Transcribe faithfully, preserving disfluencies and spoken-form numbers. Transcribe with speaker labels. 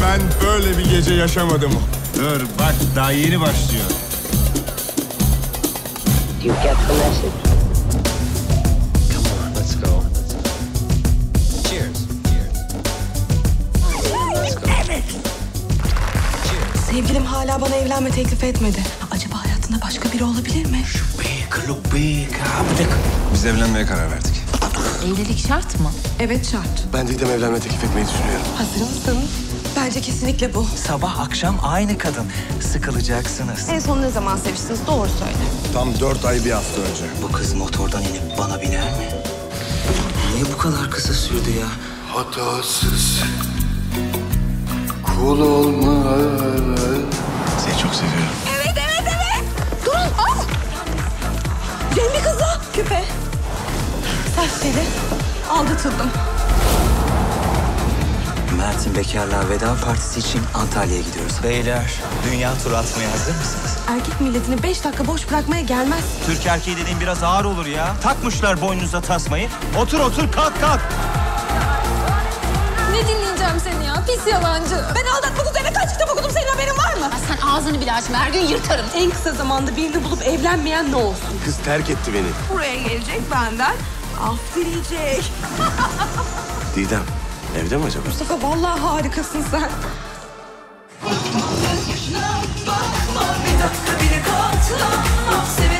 Speaker 1: ben böyle bir gece yaşamadım.
Speaker 2: Dur bak daha yeni başlıyor.
Speaker 3: You get the message.
Speaker 4: Come on, let's go. Cheers. Let's go.
Speaker 5: Evet. Sevgilim hala bana evlenme teklif etmedi. Acaba hayatında başka biri olabilir mi?
Speaker 2: Biz evlenmeye karar verdik.
Speaker 6: Evlilik şart mı?
Speaker 5: Evet şart.
Speaker 4: Ben Didem evlenme teklif etmeyi düşünüyorum.
Speaker 5: Hazır mısın? Bence kesinlikle bu.
Speaker 7: Sabah akşam aynı kadın. Sıkılacaksınız.
Speaker 5: En son ne zaman seviştiniz? Doğru söyle.
Speaker 1: Tam dört ay bir hafta önce.
Speaker 7: Bu kız motordan inip bana biner mi? Niye bu kadar kısa sürdü ya?
Speaker 4: Hatasız kul olmaz.
Speaker 2: Seni çok seviyorum.
Speaker 5: Evet, evet, evet. Durun, al. Cemil kızı. Küpe. Saç teli. Aldatıldım.
Speaker 7: Mert'in bekarlığa veda partisi için Antalya'ya gidiyoruz. Beyler, dünya turu atmaya hazır mısınız?
Speaker 5: Erkek milletini beş dakika boş bırakmaya gelmez.
Speaker 7: Türk erkeği dediğin biraz ağır olur ya. Takmışlar boynunuza tasmayı. Otur otur kalk kalk.
Speaker 6: Ne dinleyeceğim seni ya? Pis yalancı.
Speaker 5: Ben aldatmak üzerine kaç kitap okudum, senin haberin var mı?
Speaker 6: Sen ağzını bile açma. Her gün yırtarım.
Speaker 5: En kısa zamanda birini bulup evlenmeyen ne olsun?
Speaker 4: Kız terk etti beni.
Speaker 5: Buraya gelecek benden. Af dileyecek.
Speaker 4: Didem evde mi acaba?
Speaker 5: Mustafa vallahi harikasın sen.
Speaker 8: Bir dakika bile katlanmam.